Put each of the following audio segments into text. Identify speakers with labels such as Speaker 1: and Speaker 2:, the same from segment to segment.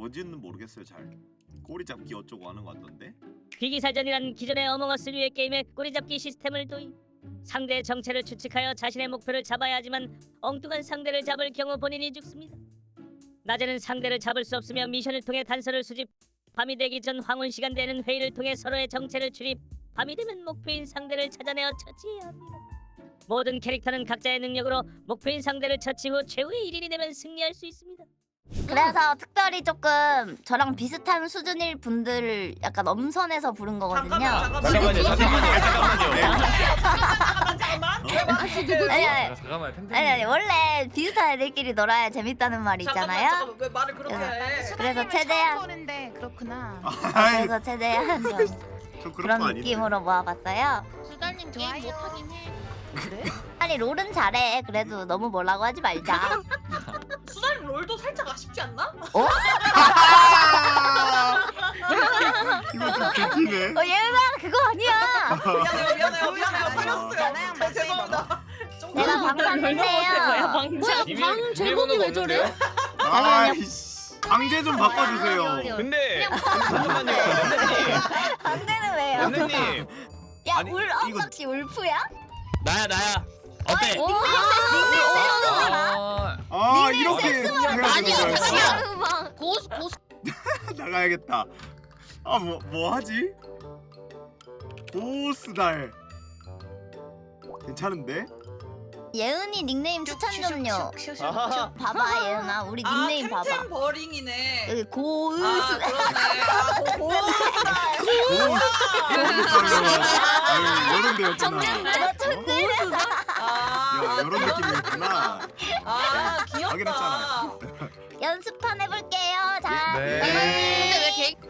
Speaker 1: 뭔지는 모르겠어요. 잘 꼬리 잡기 어쩌고 하는 것 같던데.
Speaker 2: 비기살전이란 기존의 어몽어스류의 게임에 꼬리잡기 시스템을 도입. 상대의 정체를 추측하여 자신의 목표를 잡아야 하지만 엉뚱한 상대를 잡을 경우 본인이 죽습니다. 낮에는 상대를 잡을 수 없으며 미션을 통해 단서를 수집. 밤이 되기 전 황혼 시간대에는 회의를 통해 서로의 정체를 추립. 밤이 되면 목표인 상대를 찾아내어 처치해야 합니다. 모든 캐릭터는 각자의 능력으로 목표인 상대를 처치 후 최후의 1인이 되면 승리할 수 있습니다.
Speaker 3: 그래서 특별히 조금 저랑 비슷한 수준일 분들을 약간 엄선해서 부른 거거든요.
Speaker 4: 잠깐만요.
Speaker 3: 아니 원래 비슷한 애들끼리 놀아야 재밌다는 말이 있잖아요.
Speaker 5: 잠깐만 왜 말을 그렇게 해?
Speaker 3: 그래서 최대한
Speaker 6: 보는데 그렇구나.
Speaker 3: 그래서 최대한 좀
Speaker 1: 저
Speaker 3: 그런
Speaker 1: 거 아닌데.
Speaker 3: 느낌으로 모아봤어요.
Speaker 6: 수달님 게임 못하긴 해.
Speaker 5: 그래?
Speaker 3: 아니 롤은 잘해. 그래도 너무 뭐라고 하지 말자.
Speaker 5: 수달 롤도 살짝 아쉽지 않나?
Speaker 1: 이거 좀 개기네.
Speaker 3: 얘들아 그거 아니야.
Speaker 5: 미안해요. 살렸어요. 죄송합니다.
Speaker 3: 내가 방탄인데요.
Speaker 6: 방 제목이 왜 저래?
Speaker 1: 아이씨. 강제 좀 바꿔주세요.
Speaker 4: 근데 잠깐만요.
Speaker 3: 방대는 왜요?
Speaker 4: 연대님.
Speaker 3: 야
Speaker 1: 아니,
Speaker 3: 울
Speaker 1: 이거-
Speaker 3: 엉망씨 울프야?
Speaker 4: 나야. 어때?
Speaker 1: 아 이렇게 해야 되는 거야.
Speaker 3: 잠깐만.
Speaker 6: 고수
Speaker 1: 나가야겠다. 아 뭐 하지? 보스달 괜찮은데?
Speaker 3: 예은이 닉네임 추천 좀요.
Speaker 4: 아하.
Speaker 3: 봐봐 예은아 우리 닉네임 봐봐.
Speaker 5: 템템 버링이네.
Speaker 3: 여기 고으스.
Speaker 5: 그러네.
Speaker 1: 아유 이런 데였구나. 이런 느낌이었구나.
Speaker 5: 귀엽다.
Speaker 1: 확인했잖아요.
Speaker 3: 연습판 해볼게요. 자.
Speaker 4: 네.
Speaker 6: 근데 왜 개?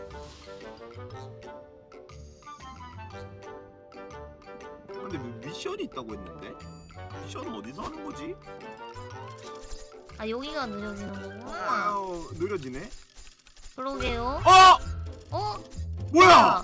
Speaker 1: 근데 뭐 미션이 있다고 했는데? 미션은 어디서 하는 거지?
Speaker 3: 아 여기가 느려지는 거구나.
Speaker 1: 아유 느려지네.
Speaker 3: 그러게요. 어?
Speaker 1: 뭐야?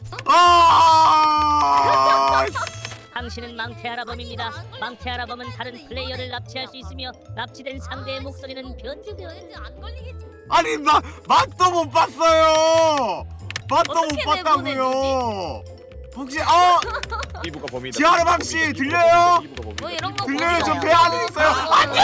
Speaker 1: 아!
Speaker 2: 당신은 망태 아라범입니다. 망태 아라범은 다른 플레이어를 납치할 수 있으며 납치된 상대의 목소리는 변조되어 안 걸리겠지.
Speaker 1: 아니 나 맛도 못 봤어요. 맛도 못
Speaker 2: 어떻게
Speaker 1: 봤다고요. 혹시
Speaker 4: 이부가 범이다.
Speaker 1: 지하르방 씨 들려요?
Speaker 4: 이부가 범이다.
Speaker 2: 뭐 이런 거
Speaker 1: 들려요? 저
Speaker 2: 보세요.
Speaker 1: 배 안에 있어요. 안돼.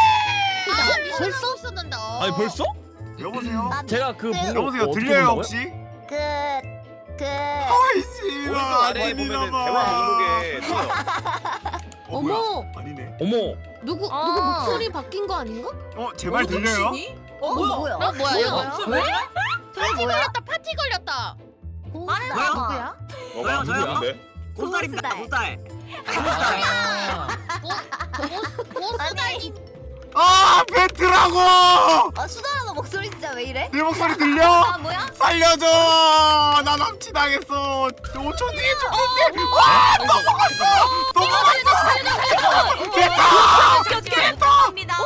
Speaker 6: 벌써 없었는데.
Speaker 4: 아니 벌써?
Speaker 1: 여보세요.
Speaker 4: 제가 그
Speaker 1: 여보세요. 들려요 혹시?
Speaker 3: 그
Speaker 1: 아이씨.
Speaker 4: 오른쪽 아래에 보면은 대화 목록에 떠요.
Speaker 6: 어머,
Speaker 1: 아니네.
Speaker 4: 어머.
Speaker 6: 누구 목소리 바뀐 거 아닌가?
Speaker 1: 제 말 들려요?
Speaker 3: 뭐야?
Speaker 6: 뭐야 이거?
Speaker 5: 왜?
Speaker 3: 파티 걸렸다.
Speaker 6: 파티 걸렸다.
Speaker 3: 고스달 누구야?
Speaker 4: 뭐가 누구인데?
Speaker 3: 고스달입니다. 고스달. 고스달님.
Speaker 1: 배트라고.
Speaker 3: 수달아 너 목소리 진짜 왜 이래?
Speaker 1: 내 목소리 들려?
Speaker 3: 뭐야?
Speaker 1: 살려줘. 나 납치당했어. 5초 뒤에 죽는데. 와 넘어갔어.
Speaker 3: 감사합니다.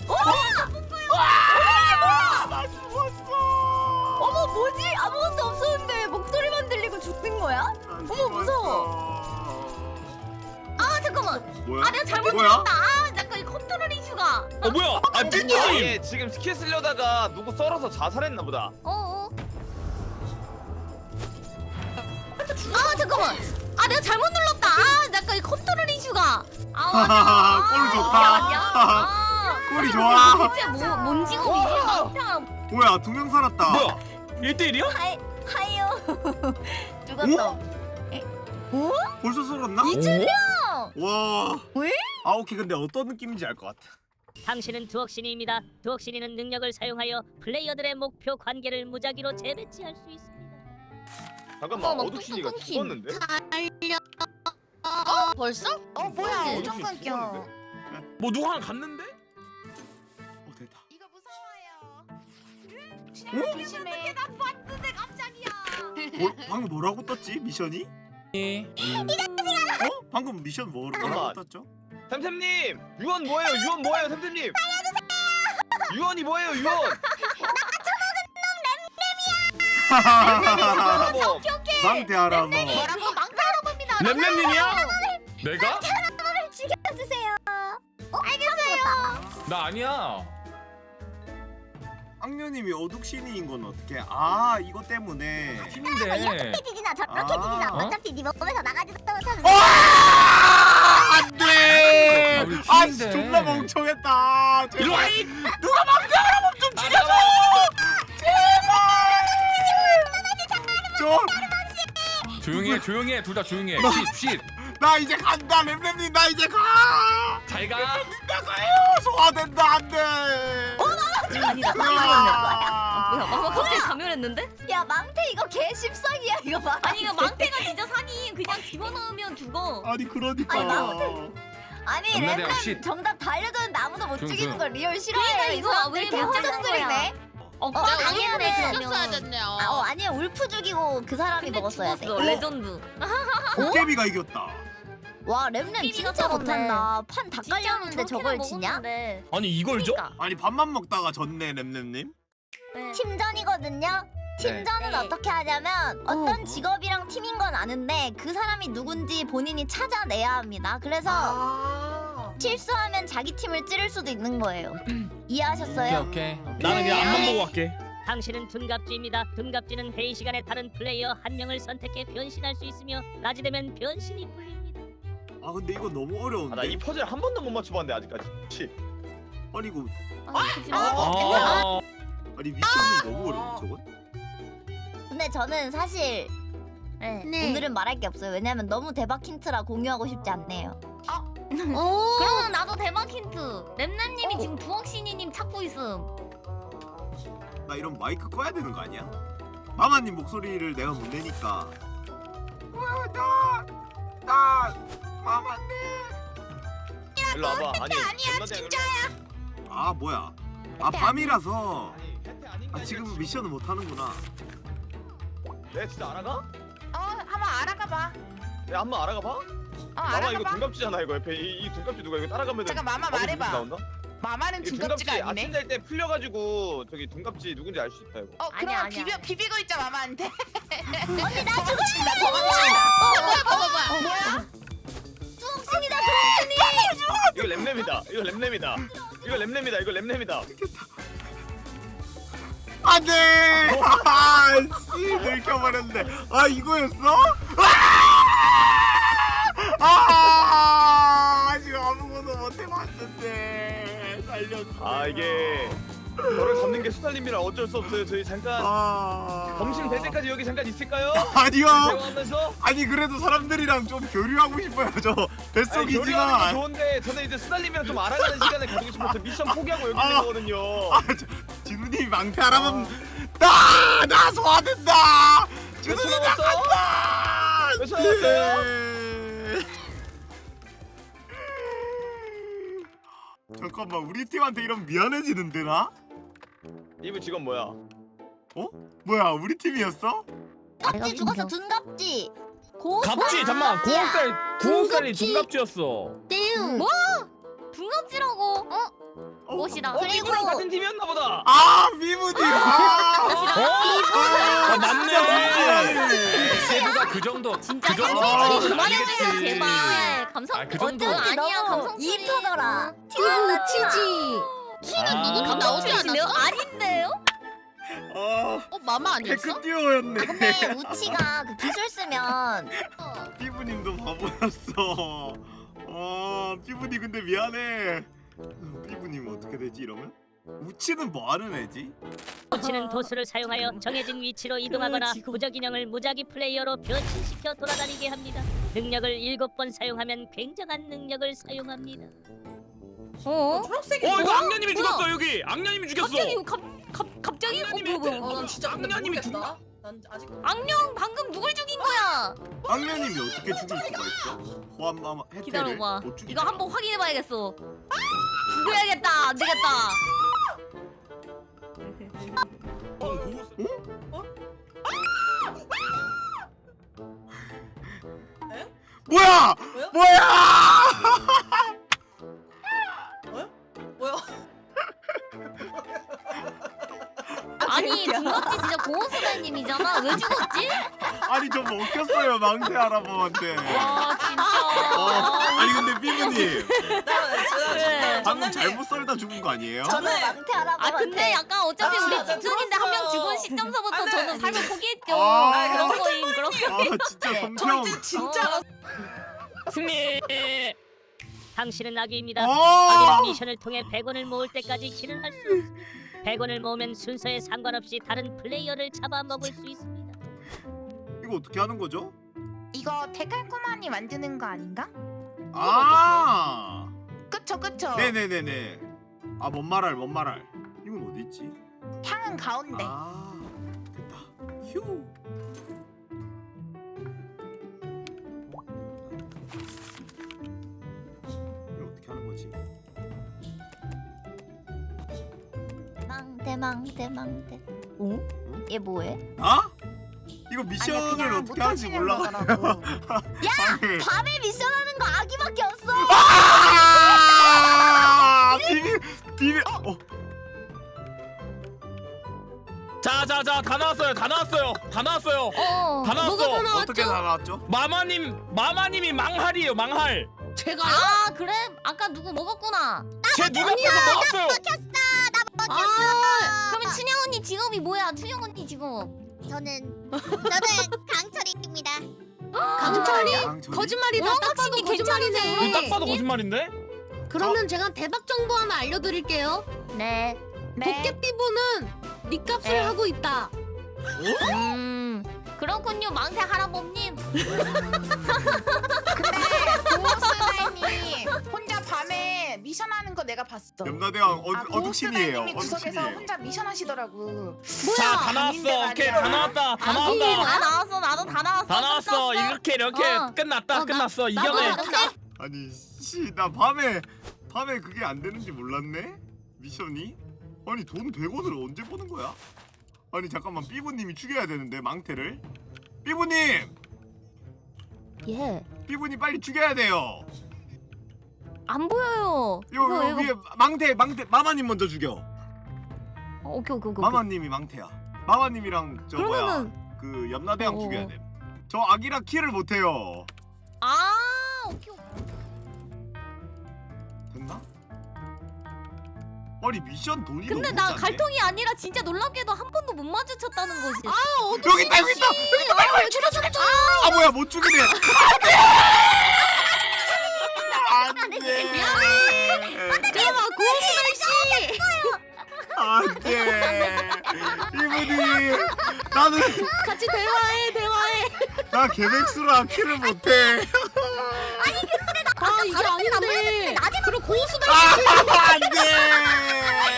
Speaker 1: 나 죽었어.
Speaker 3: 어머 뭐지? 아무것도 없었는데 목소리만 들리고 죽는 거야? 어머 무서워. 잠깐만.
Speaker 1: 뭐야?
Speaker 3: 내가 잘못
Speaker 1: 뭐야?
Speaker 3: 눌렀다. 잠깐 이 컨트롤 이슈가.
Speaker 4: 뭐야? 아 삐님.
Speaker 1: 아예
Speaker 4: 지금 스킬 쓰려다가 누구 썰어서 자살했나 보다.
Speaker 3: 잠깐만. 내가 잘못 눌렀다. 잠깐 이 컨트롤 이슈가.
Speaker 1: 꼴 좋다. 꼴이 좋아.
Speaker 3: 대체 뭔 직업이지?
Speaker 1: 뭐야 2명 살았다.
Speaker 4: 뭐야? 1대1이야?
Speaker 3: 하이요. 죽었어.
Speaker 1: 벌써 썰었나?
Speaker 3: 이준영.
Speaker 1: 와.
Speaker 3: 왜?
Speaker 1: 오케이 근데 어떤 느낌인지 알 것 같아.
Speaker 2: 당신은 두억신이입니다. 두억신이는 능력을 사용하여 플레이어들의 목표 관계를 무작위로 재배치할 수 있습니다.
Speaker 4: 잠깐만 어둑신이가 죽었는데?
Speaker 6: 벌써?
Speaker 3: 뭐야?
Speaker 4: 어둑신
Speaker 3: 엄청 끊겨.
Speaker 4: 죽었는데? 뭐 누구 하나 갔는데?
Speaker 1: 됐다.
Speaker 6: 이거 무서워요.
Speaker 3: 조심해.
Speaker 1: 방금 뭐라고 떴지 미션이? 방금 미션 뭐라고
Speaker 4: 잠깐만.
Speaker 1: 떴죠?
Speaker 4: 템템님! 유언 뭐예요? 유언 뭐예요? 템템님! 유언이 뭐예요? 유언!
Speaker 1: 망대하라 뭐.
Speaker 3: 뭐라고 망가러봅니다.
Speaker 7: 램램님이야? 내가?
Speaker 3: 죽여주세요. 알겠어요.
Speaker 7: 나 아니야.
Speaker 1: 악령 악녀님이 어둑신이인 건 어떻게? 아 이거 때문에.
Speaker 7: 팀인데.
Speaker 3: PD나 저렇게
Speaker 1: 아.
Speaker 3: PD나
Speaker 7: 어?
Speaker 3: 어차피 네 몸에서 나가지도 못하는
Speaker 1: 안돼.
Speaker 7: 아, 우리
Speaker 1: 아
Speaker 7: 팀인데.
Speaker 1: 존나 멍청했다.
Speaker 7: 일로 와. 이-
Speaker 1: 누가 망자라고 좀 죽여줘. 제발.
Speaker 7: 조용히 해. 둘 다 조용히 해. 쉿.
Speaker 1: 나 이제 간다 램램님 나 이제 가.
Speaker 7: 잘 가.
Speaker 1: 나가요. 소화된다 안돼.
Speaker 3: 아니다.
Speaker 1: 뭐야?
Speaker 6: 갑자기 자멸했는데?
Speaker 3: 야 망태 이거 개 십상이야 이거 봐.
Speaker 6: 아니 이거 망태가 진짜 사기. 그냥 집어넣으면 죽어.
Speaker 1: 아니 그러니까.
Speaker 3: 아니, 나한테- 아니
Speaker 7: 엄마대야,
Speaker 3: 램램
Speaker 7: 쉿.
Speaker 3: 정답 다 알려줬는데 아무도 못
Speaker 7: 조용,
Speaker 3: 죽이는
Speaker 7: 조용.
Speaker 3: 걸 리얼 싫어해.
Speaker 6: 그러니까
Speaker 3: 이
Speaker 6: 이거
Speaker 3: 사람들
Speaker 6: 왜
Speaker 3: 개
Speaker 6: 못 잡는
Speaker 3: 허전들이네.
Speaker 6: 당연해.
Speaker 3: 죽였어야
Speaker 6: 됐네요.
Speaker 3: 아니야 울프 죽이고 그 사람이 먹었어야 돼.
Speaker 6: 레전드.
Speaker 1: 도깨비가 이겼다.
Speaker 3: 와 램램
Speaker 6: 끼리가
Speaker 3: 진짜
Speaker 6: 쩔었네.
Speaker 3: 못한다. 판 다 깔렸는데 저걸 지냐?
Speaker 7: 아니 이걸 줘?
Speaker 1: 아니 밥만 먹다가 졌네 램램님.
Speaker 3: 팀전이거든요. 팀전은
Speaker 6: 네.
Speaker 3: 어떻게 하냐면 어떤 직업이랑 팀인 건 아는데 그 사람이 누군지 본인이 찾아내야 합니다. 그래서 실수하면 자기 팀을 찌를 수도 있는 거예요. 이해하셨어요?
Speaker 7: 오케이.
Speaker 8: 나는 그냥 앞만 보고 갈게.
Speaker 2: 당신은 둔갑쥐입니다. 둔갑쥐는 회의 시간에 다른 플레이어 한 명을 선택해 변신할 수 있으며 낮이 되면 변신이 풀립니다.
Speaker 1: 아 근데 이거 너무 어려운데.
Speaker 4: 나 이 퍼즐 한 번도 못 맞춰봤는데 아직까지. 치.
Speaker 1: 아니 이거
Speaker 7: 아.
Speaker 1: 아니 미션이 너무 어려워 저건.
Speaker 3: 근데 저는 사실
Speaker 6: 네.
Speaker 3: 오늘은 말할 게 없어요. 왜냐면 너무 대박 힌트라 공유하고 싶지 않네요.
Speaker 6: 그러면 나도 대박 힌트. 렘나님이 지금 부엌신이님 찾고 있음.
Speaker 1: 나 이런 마이크 꺼야 되는 거 아니야? 마마님 목소리를 내가 못 내니까. 나 마마님.
Speaker 4: 일로 와봐. 아니야 진짜야.
Speaker 1: 아 뭐야? 아 밤이라서.
Speaker 4: 아니 혜태 아닌가?
Speaker 1: 아 지금 미션을 못 하는구나.
Speaker 4: 내가 진짜 알아가?
Speaker 5: 한번 알아가 봐.
Speaker 4: 내가 한번 알아가 봐. 마마 이거 둔갑지잖아 이거 옆에 이 둔갑지 누가 이거 따라가면
Speaker 5: 잠깐 마마
Speaker 4: 나도
Speaker 5: 말해봐.
Speaker 4: 누군지 나온다?
Speaker 5: 마마는
Speaker 4: 이
Speaker 5: 둔갑지가 아니네.
Speaker 4: 아침 될 때 풀려가지고 저기 둔갑지 누군지 알 수 있다 이거.
Speaker 5: 그럼
Speaker 6: 아니야.
Speaker 5: 비비고 있자 마마한테.
Speaker 3: 언니 나 죽었다.
Speaker 5: 뭐야?
Speaker 3: 수홍신이다.
Speaker 4: 이거 램램이다. 이거 램램이다. 이거 램램이다. 이거 램램이다.
Speaker 1: 안돼. 아씨 들켜버렸네. 아 이거였어? 아 지금 아무것도 못 해봤는데 살렸어.
Speaker 4: 아 이게 너를 잡는 게 수달님이라 어쩔 수 없어요. 저희 잠깐 점심 될 때까지 여기 잠깐 있을까요?
Speaker 1: 아니요.
Speaker 4: 대화하면서.
Speaker 1: 아니 그래도 사람들이랑 좀 교류하고 싶어요. 저
Speaker 4: 아니, 교류하는 거
Speaker 1: 뱃속이지만.
Speaker 4: 좋은데 저는 이제 수달님이랑 좀 알아가는 시간을 가지고 싶어서 미션 포기하고 여기 있는 거거든요.
Speaker 1: 진우님이 망태하라면 나 소화된다. 진우님
Speaker 4: 몇 초 남았어?
Speaker 1: 나간다.
Speaker 4: 몇 초 남았어요?
Speaker 1: 네. 잠깐만 우리 팀한테 이러면 미안해지는데 나?
Speaker 4: 이분 직업 뭐야?
Speaker 1: 뭐야 우리 팀이었어?
Speaker 3: 갑지 죽었어. 둔갑지.
Speaker 8: 갑지 잠만 9억짜리 둔갑지였어.
Speaker 6: 띵. 뭐? 붕어지라고?
Speaker 3: 옷이다.
Speaker 4: 그리고 이분랑 같은 팀이었나 보다.
Speaker 1: 아 미무님.
Speaker 8: 아 맞네.
Speaker 7: 세부가 그 정도.
Speaker 6: 진짜
Speaker 7: 그 정도.
Speaker 6: 감성소리 그만해주세요
Speaker 7: 알겠지.
Speaker 6: 제발. 감성.
Speaker 7: 아, 그 정도.
Speaker 6: 아니야
Speaker 3: 너무
Speaker 6: 감성소리.
Speaker 3: 이쁘더라.
Speaker 6: 티는 치지.
Speaker 8: 아.
Speaker 6: 누구 감성소리 아니에요? 아닌데요? 마마
Speaker 1: 테크 듀오였네.
Speaker 3: 근데 우치가 그 기술 쓰면
Speaker 1: 피부님도 바보였어. 피부님 근데 미안해. 피부님 어떻게 되지 이러면? 우치는 뭐 하는 애지?
Speaker 2: 우치는 도수를 사용하여 정해진 위치로 이동하거나 부적 인형을 무작위 플레이어로 변신시켜 돌아다니게 합니다. 능력을 7번 사용하면 굉장한 능력을 사용합니다.
Speaker 5: 초록색이
Speaker 8: 이거 악녀님이 죽었어 여기. 악녀님이 죽였어.
Speaker 6: 갑자기?
Speaker 8: 악녀님이
Speaker 5: 난 진짜 근데
Speaker 8: 악녀님이
Speaker 5: 모르겠다. 난 아직
Speaker 6: 악령 방금 누굴 죽인 거야?
Speaker 1: 악녀님이 어떻게 죽일 수가 있어? 호암마마 혜태를
Speaker 6: 기다려봐.
Speaker 1: 못 죽이잖아.
Speaker 6: 이거 한번 확인해봐야겠어. 죽여야겠다. 안 되겠다.
Speaker 1: 뭐야?
Speaker 5: 뭐야?
Speaker 1: 뭐야?
Speaker 5: 뭐야?
Speaker 6: 아니 아니 중갑지 진짜 고호수달님이잖아. 왜 죽었지?
Speaker 1: 아니 저 먹혔어요 망태 할아버지한테.
Speaker 6: 와 진짜.
Speaker 1: 아니 근데 삐부님
Speaker 5: 네.
Speaker 1: 방금 잘못 썰다 죽은 거 아니에요?
Speaker 3: 저는 망태 할아버지.
Speaker 6: 아 근데 약간 어차피
Speaker 5: 아,
Speaker 6: 우리
Speaker 5: 진짜
Speaker 6: 집중인데 한 명
Speaker 5: 죽었어.
Speaker 6: 죽은 시점서부터
Speaker 5: 아, 네.
Speaker 6: 저는 삶을 포기했죠.
Speaker 1: 아,
Speaker 6: 그런 거임 그런 거.
Speaker 1: 아 진짜
Speaker 3: 네.
Speaker 1: 성평.
Speaker 5: 저 이제 진짜
Speaker 8: 승리.
Speaker 2: 당신은 아기입니다.
Speaker 1: 어!
Speaker 2: 아기는 미션을 통해 100원을 모을 때까지 길을 할 수 없습니다. 100원을 모으면 순서에 상관없이 다른 플레이어를 잡아먹을 수 있습니다.
Speaker 1: 이거 어떻게 하는 거죠?
Speaker 5: 이거 데칼코마니 만드는 거 아닌가?
Speaker 1: 아
Speaker 5: 그쵸 그쵸.
Speaker 1: 네네네네. 아 뭔 말할. 이건 어디 있지?
Speaker 5: 향은 가운데.
Speaker 1: 아 됐다. 휴. 이거 어떻게 하는 거지?
Speaker 3: 망태. 어? 얘 뭐해?
Speaker 1: 아? 이거
Speaker 5: 아니야,
Speaker 1: 미션을
Speaker 5: 그냥
Speaker 1: 어떻게 하는지
Speaker 5: 못하시는
Speaker 1: 몰라.
Speaker 5: 거더라고.
Speaker 3: 야 밤에 미션하는 거 아기밖에 없어.
Speaker 1: 아! 비밀.
Speaker 8: 자자자 다 나왔어요. 다 나왔어요. 다 나왔어요. 다 나왔어.
Speaker 1: 어떻게 나왔죠?
Speaker 8: 마마님이 망할이에요. 망할.
Speaker 6: 제가요? 아 그래? 아까 누구 먹었구나.
Speaker 8: 제 눈앞에서 먹었어요.
Speaker 6: 아 그러면 춘영 언니 직업이 뭐야? 춘영 언니 직업.
Speaker 3: 저는 강철입니다.
Speaker 9: 강철이?
Speaker 1: 강철이?
Speaker 9: 거짓말이다. 딱 봐도
Speaker 6: 확실히
Speaker 9: 거짓말이네.
Speaker 8: 이거 딱 봐도 거짓말인데?
Speaker 9: 그러면 제가 대박 정보 하나 알려드릴게요.
Speaker 6: 네.
Speaker 9: 도깨비보는 니 값을
Speaker 6: 네.
Speaker 9: 하고 있다.
Speaker 6: 그렇군요 망태 할아버님.
Speaker 5: 근데 고호스나님 혼자 밤에 미션하는 거 내가 봤어.
Speaker 1: 염라대왕
Speaker 5: 고호스나님이
Speaker 1: 어둑신이에요.
Speaker 5: 구석에서 혼자 미션 하시더라고.
Speaker 8: 자, 다
Speaker 5: 아닌데
Speaker 8: 나왔어. 오케이,
Speaker 5: 말이야.
Speaker 8: 다 나왔다. 다
Speaker 6: 다
Speaker 8: 나왔다.
Speaker 6: 나왔어. 나도 다 나왔어.
Speaker 8: 다 나왔어. 이렇게
Speaker 6: 어.
Speaker 8: 끝났다. 끝났어. 이겨내.
Speaker 1: 아니 씨 나 밤에 그게 안 되는지 몰랐네. 미션이? 아니 돈 100원을 언제 버는 거야? 아니 잠깐만 삐부님이 죽여야 되는데 망태를. 삐부님!
Speaker 6: 예.
Speaker 1: 삐부님 빨리 죽여야 돼요.
Speaker 6: 안 보여요.
Speaker 1: 요 위에 망태 마마님 먼저 죽여.
Speaker 6: 오케이.
Speaker 1: 마마님이 망태야. 마마님이랑 저 뭐야 그 염라대왕 죽여야 돼. 저 아기라 킬을 못해요.
Speaker 6: 아 오케이.
Speaker 1: 됐나? 아니 미션 돈이
Speaker 6: 근데
Speaker 1: 너무
Speaker 6: 나
Speaker 1: 짜네.
Speaker 6: 갈통이 아니라 진짜 놀랍게도 한 번도 못 마주쳤다는 거지.
Speaker 1: 여기 있다 여기 있다. 아 뭐야 못 죽이네. 안돼.
Speaker 9: 잠깐만 고호수달 씨.
Speaker 1: 안돼. 이분이 나는
Speaker 9: 같이 대화해.
Speaker 1: 나 개백수라 킬을 못해.
Speaker 9: 아 이게 아닌데. 그리고 고호수달
Speaker 1: 안돼.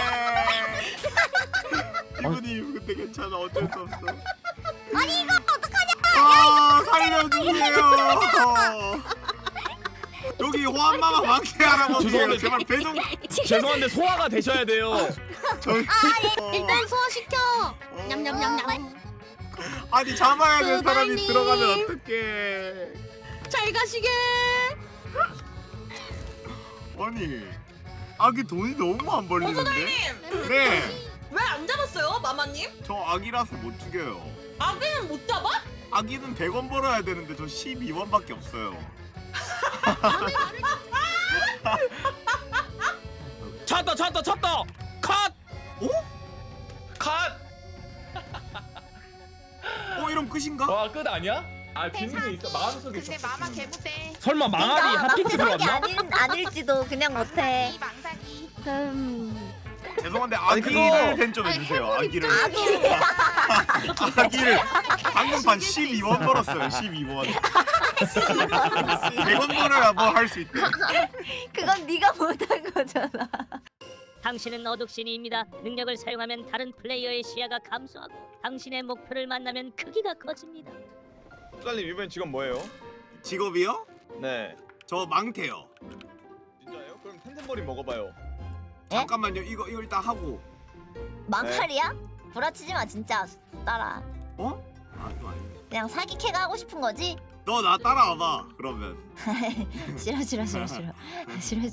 Speaker 1: 이분이 그때 괜찮아 어쩔 수 없어. 아니 이거 어떡하냐? 아 살려주세요. 여기 호환마마 망태 할아버지예요. 제발 배좀.
Speaker 8: 죄송한데 소화가 되셔야 돼요.
Speaker 1: 저희
Speaker 9: 일단 소화시켜. 냠냠냠냠.
Speaker 1: 아니 잡아야 될 사람이
Speaker 9: 수달님.
Speaker 1: 들어가면 어떡해.
Speaker 9: 잘 가시게.
Speaker 1: 아니 아기 돈이 너무 안 벌리는데? 네.
Speaker 5: 왜 안 잡았어요, 마마님?
Speaker 1: 저 아기라서 못 죽여요.
Speaker 5: 아기는 못 잡아?
Speaker 1: 아기는 100원 벌어야 되는데 저 12원밖에 없어요.
Speaker 8: 찾다. 컷.
Speaker 4: 컷.
Speaker 1: 이러면 끝인가?
Speaker 8: 와, 끝 아니야? 아, 뒷면에 있어. 마음속에
Speaker 5: 근데
Speaker 8: 있어.
Speaker 5: 마마 개부대.
Speaker 8: 설마 망할이 핫픽스 들어왔나?
Speaker 3: 아닐지도 그냥 못해.
Speaker 5: 이 망사기.
Speaker 1: 죄송한데
Speaker 4: 아니,
Speaker 1: 아기를
Speaker 4: 그거-
Speaker 1: 팬 좀 해주세요. 아기를.
Speaker 3: 아기.
Speaker 1: 아기를 방금 반 12원 벌었어요. 12원. 100원 벌어야 뭐 할 수 있대.
Speaker 3: 그건 네가 못한 거잖아.
Speaker 2: 당신은 어둑신이입니다. 능력을 사용하면 다른 플레이어의 시야가 감소하고 당신의 목표를 만나면 크기가 커집니다.
Speaker 4: 수달님 이번 직업 뭐예요?
Speaker 1: 직업이요?
Speaker 4: 네.
Speaker 1: 저 망태요.
Speaker 4: 진짜요? 그럼 텐텐버리 먹어봐요.
Speaker 3: 예?
Speaker 1: 잠깐만요. 이거 일단 하고.
Speaker 3: 막칼이야? 구라치지 마 진짜. 따라.
Speaker 1: 어? 아 이거 아닌데.
Speaker 3: 그냥 사기 캐가 하고 싶은 거지?
Speaker 1: 너 나 따라와봐. 그러면.
Speaker 3: 싫어.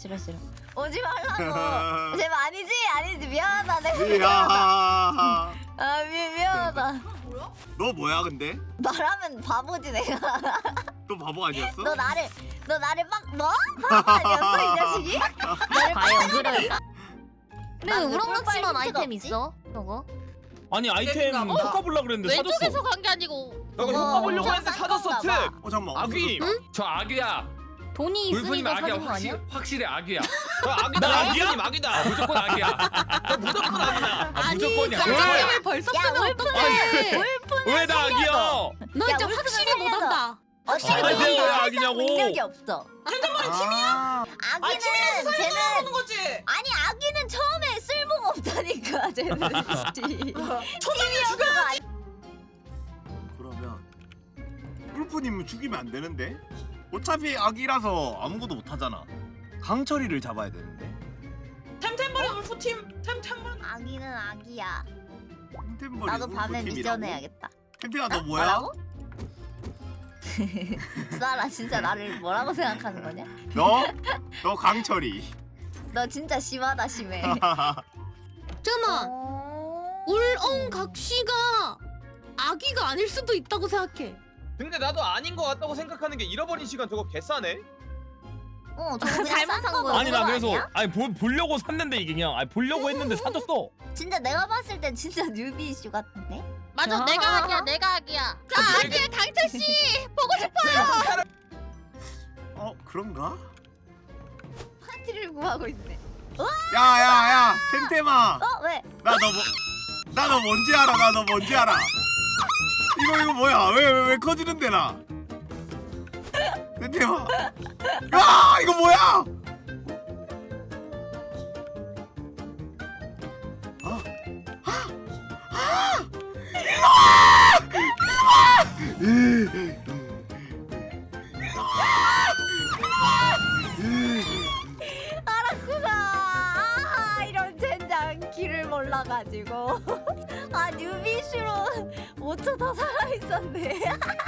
Speaker 3: 오지 말라고. 제발 아니지 미안하다 내가.
Speaker 1: 이야.
Speaker 3: 아 미안하다.
Speaker 5: 뭐야?
Speaker 1: 너 뭐야 근데?
Speaker 3: 말하면 바보지 내가.
Speaker 1: 또 바보 아니었어?
Speaker 3: 너 나를 막 뭐? 바보 아니었어 이 자식이? 너를
Speaker 6: 과연 그럴까? 근데
Speaker 3: 난
Speaker 6: 우렁낙지만
Speaker 3: 꿀빨
Speaker 6: 아이템
Speaker 3: 힌트가
Speaker 6: 있어? 저거?
Speaker 8: 아니 아이템
Speaker 5: 어?
Speaker 8: 효과 보려 그랬는데 사줬어.
Speaker 6: 왼쪽에서 간 게 아니고
Speaker 4: 너가 효과 보려고 했는데 사줬어 특.
Speaker 1: 잠깐만.
Speaker 4: 아귀.
Speaker 7: 저 아귀야.
Speaker 6: 돈이
Speaker 7: 불프님
Speaker 6: 있으니까
Speaker 7: 아귀야.
Speaker 6: 사준 거 아니야?
Speaker 7: 확실히 아귀야.
Speaker 4: 저 아귀다.
Speaker 8: 나 아귀야?
Speaker 4: 아귀님 아귀다.
Speaker 7: 무조건 아귀야.
Speaker 4: 저 무조건 아귀다.
Speaker 7: 아, 무조건이야.
Speaker 9: 깜짝이야 벌써
Speaker 3: 야,
Speaker 9: 쓰면 어떡해?
Speaker 8: 왜 나 아귀야?
Speaker 9: 너
Speaker 3: 야,
Speaker 9: 진짜
Speaker 3: 울프는
Speaker 9: 확실히
Speaker 3: 살려줘.
Speaker 9: 못한다.
Speaker 3: 어차피
Speaker 8: 아니, 내가 왜
Speaker 3: 살짝
Speaker 8: 악이냐고.
Speaker 3: 능력이 없어.
Speaker 1: 아,
Speaker 3: 아기는 쟤는
Speaker 5: 하는 거지.
Speaker 3: 아니 아기는 처음에 쓸모가 없다니까 쟤는. 초장에 죽여.
Speaker 1: 그러면 울프님은 죽이면 안 되는데? 어차피 아기라서 아무것도 못 하잖아. 강철이를 잡아야 되는데.
Speaker 5: 템템버리 울프 팀. 템템버리.
Speaker 3: 아기는 아기야.
Speaker 1: 템템버리
Speaker 3: 나도 밤에
Speaker 1: 울프팀이라고?
Speaker 3: 미션 해야겠다.
Speaker 1: 템템아 너 뭐야?
Speaker 3: 뭐라고? 수아라 진짜 나를 뭐라고 생각하는 거냐?
Speaker 1: 너 강철이.
Speaker 3: 너 진짜 심하다 심해.
Speaker 9: 잠깐만. 울엉각시가 아기가 아닐 수도 있다고 생각해.
Speaker 4: 근데 나도 아닌 것 같다고 생각하는 게 잃어버린 시간 저거 개싸네.
Speaker 3: 저거 그냥
Speaker 6: 잘못
Speaker 3: 싼
Speaker 6: 산
Speaker 3: 거
Speaker 6: 거야.
Speaker 8: 아니 나 그래서
Speaker 3: 아니야?
Speaker 8: 아니 보려고 샀는데 이게 그냥 아니 보려고 했는데 사줬어.
Speaker 3: 진짜 내가 봤을 땐 진짜 뉴비 이슈 같은데?
Speaker 6: 맞아 내가 아기야 내가 아기야. 나 아기야 강철 씨 보고 싶어요.
Speaker 1: 그런가?
Speaker 3: 파티를 구하고 있네.
Speaker 1: 야야야 템템아.
Speaker 3: 왜?
Speaker 1: 나 너 뭔지 알아. 나 너 뭔지 알아. 이거 뭐야? 왜 커지는데 나? 템템아. 야 이거 뭐야?
Speaker 3: 알았구나. 이런 젠장 길을 몰라가지고. 아 뉴비 이슈로 5초 더 살아있었네.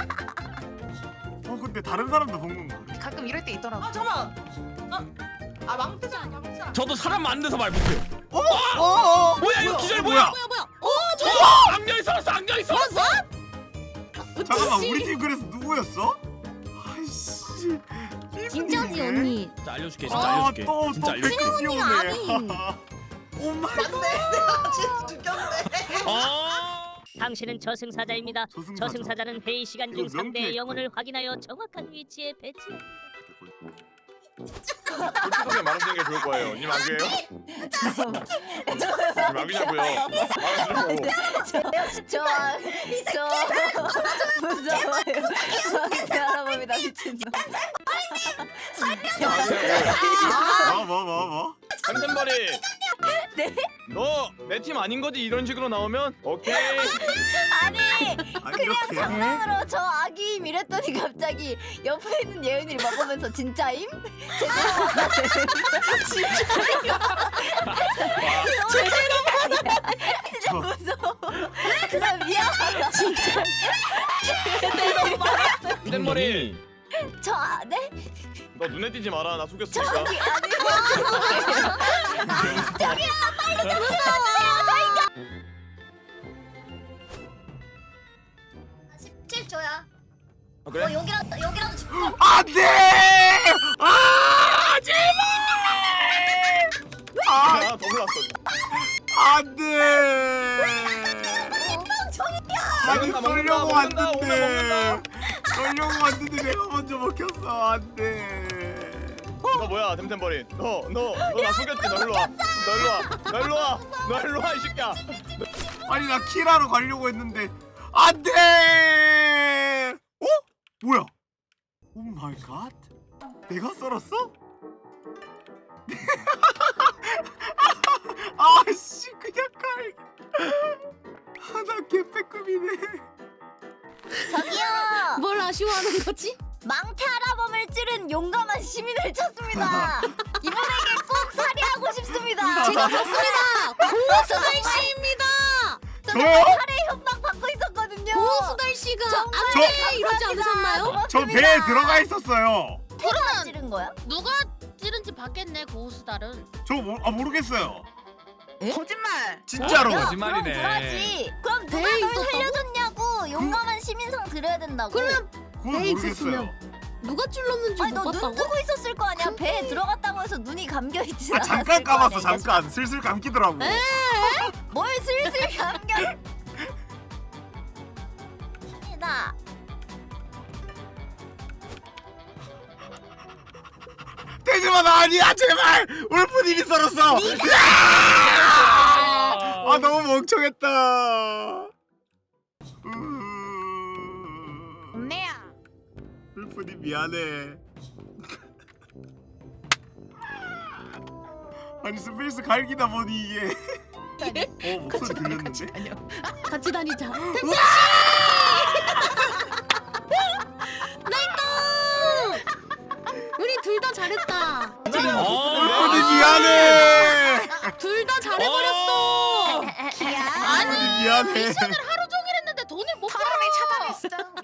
Speaker 1: 근데 다른 사람도 본 건가?
Speaker 5: 가끔 이럴 때 있더라고. 아 잠깐. 아 망태자 아니야 망태자.
Speaker 8: 저도 사람 만드서 말 못해요. 뭐야 이거 기절 뭐야?
Speaker 9: 뭐야?
Speaker 8: 악녀이 살았어 악녀이 살았어.
Speaker 1: 잠깐만 우리 팀 그래서 누구였어? 아이씨.
Speaker 6: 진짜지 언니.
Speaker 8: 진짜 알려줄게 진짜 알려줄게.
Speaker 1: 또
Speaker 8: 진짜 알려줄게.
Speaker 1: 댓글 띄우네.
Speaker 3: 아니.
Speaker 1: 오 마이 갓.
Speaker 5: 진짜 죽였네.
Speaker 8: 아.
Speaker 2: 당신은 저승사자입니다.
Speaker 1: 저승사자.
Speaker 2: 저승사자는 회의 시간 중
Speaker 1: 이거
Speaker 2: 상대의
Speaker 1: 명쾌했고.
Speaker 2: 영혼을 확인하여 정확한 위치에 배치합니다.
Speaker 4: 솔직하게 말하는 게 좋을 거예요. 님 아귀예요? 님 아귀냐고요? 말하시라고.
Speaker 3: 저 무서워요. 저한테 알아봅니다 미친놈.
Speaker 1: 뭐?
Speaker 4: 템템버리.
Speaker 3: 네?
Speaker 4: 너 내 팀 아닌 거지 이런 식으로 나오면 오케이.
Speaker 3: 아니
Speaker 1: 아니
Speaker 3: 그냥
Speaker 1: 이렇게.
Speaker 3: 장난으로 저 아기임 이랬더니 갑자기 옆에 있는 예은이를 먹으면서 진짜임? 진짜 무서워. 진짜 미안하다. 진짜.
Speaker 4: 템템버리.
Speaker 3: 저 네?
Speaker 4: 너 눈에 띄지 마라. 나 속였으니까.
Speaker 3: 저기 아니 저기야 빨리 좀 무서워. 17초야.
Speaker 4: 아, 그래?
Speaker 3: 여기라도 죽고.
Speaker 1: 안돼! 아 제발!
Speaker 4: 아, 더 올랐어.
Speaker 1: 안돼! 아니
Speaker 4: 먹는다,
Speaker 1: 쏠려고
Speaker 4: 먹는다,
Speaker 1: 왔는데 쏠려고 왔는데 내가 먼저 먹혔어. 안돼.
Speaker 4: 너 뭐야, 템템버리? 너 나 속였지? 너 일로 와. 너 일로 와, 이 새끼야.
Speaker 1: 아니 나 킬하러 가려고 했는데 안돼! 어? 뭐야? 오 마이 갓. 내가 썰었어? 아씨 그냥 갈. 하나 개패급이네.
Speaker 3: 저기요.
Speaker 9: 뭘 아쉬워하는 거지?
Speaker 3: 망태 할아범을 찌른 용감한 시민을 찾습니다. 이분에게 꼭 살해하고 싶습니다.
Speaker 9: 제가 봤습니다. 고수달 씨입니다.
Speaker 1: 저요?
Speaker 3: 살해 협박 받고 있었거든요.
Speaker 9: 고수달 씨가
Speaker 3: 정말
Speaker 9: 안돼 이러지 않으셨나요?
Speaker 1: 저
Speaker 3: 고맙습니다.
Speaker 1: 배에 들어가 있었어요.
Speaker 3: 누가 찌른 거야?
Speaker 6: 누가 찌른지 봤겠네 고수달은.
Speaker 1: 저 모르겠어요.
Speaker 5: 거짓말.
Speaker 1: 진짜로.
Speaker 3: 야,
Speaker 7: 거짓말이네.
Speaker 3: 그럼 그러지. 그럼 누가
Speaker 9: 배에
Speaker 3: 널
Speaker 9: 있었다고?
Speaker 3: 살려줬냐고 용감한 시민상 드려야 된다고.
Speaker 9: 그러면
Speaker 1: 그건
Speaker 9: 배에
Speaker 1: 모르겠어요.
Speaker 9: 있었으면 누가 찔렀는지
Speaker 3: 아니
Speaker 9: 못
Speaker 3: 너 눈
Speaker 9: 봤다고?
Speaker 3: 뜨고 있었을 거 아니야. 배에 들어갔다고 해서 눈이 감겨 있지
Speaker 1: 아
Speaker 3: 않았을
Speaker 1: 잠깐
Speaker 3: 거 아니야,
Speaker 1: 감았어
Speaker 3: 이 자식.
Speaker 1: 잠깐 슬슬 감기더라고.
Speaker 3: 뭘 슬슬 감겨. 나
Speaker 1: 대지마 나 아니야 제발 울프님이 썰었어. 아 너무 멍청했다.
Speaker 5: 언니야.
Speaker 1: 울프님 미안해. 아니 스페이스 갈기다 보니 이게 목소리 들렸는데?
Speaker 9: 같이 다니자. 나이다. 우리 둘 다 잘했다.
Speaker 1: 울프님 미안해.
Speaker 9: 둘 다 잘해버렸어.
Speaker 3: 야
Speaker 1: 울프님 미안해.
Speaker 9: 하루 종일 했는데 돈을 못
Speaker 5: 사람이 차단했어.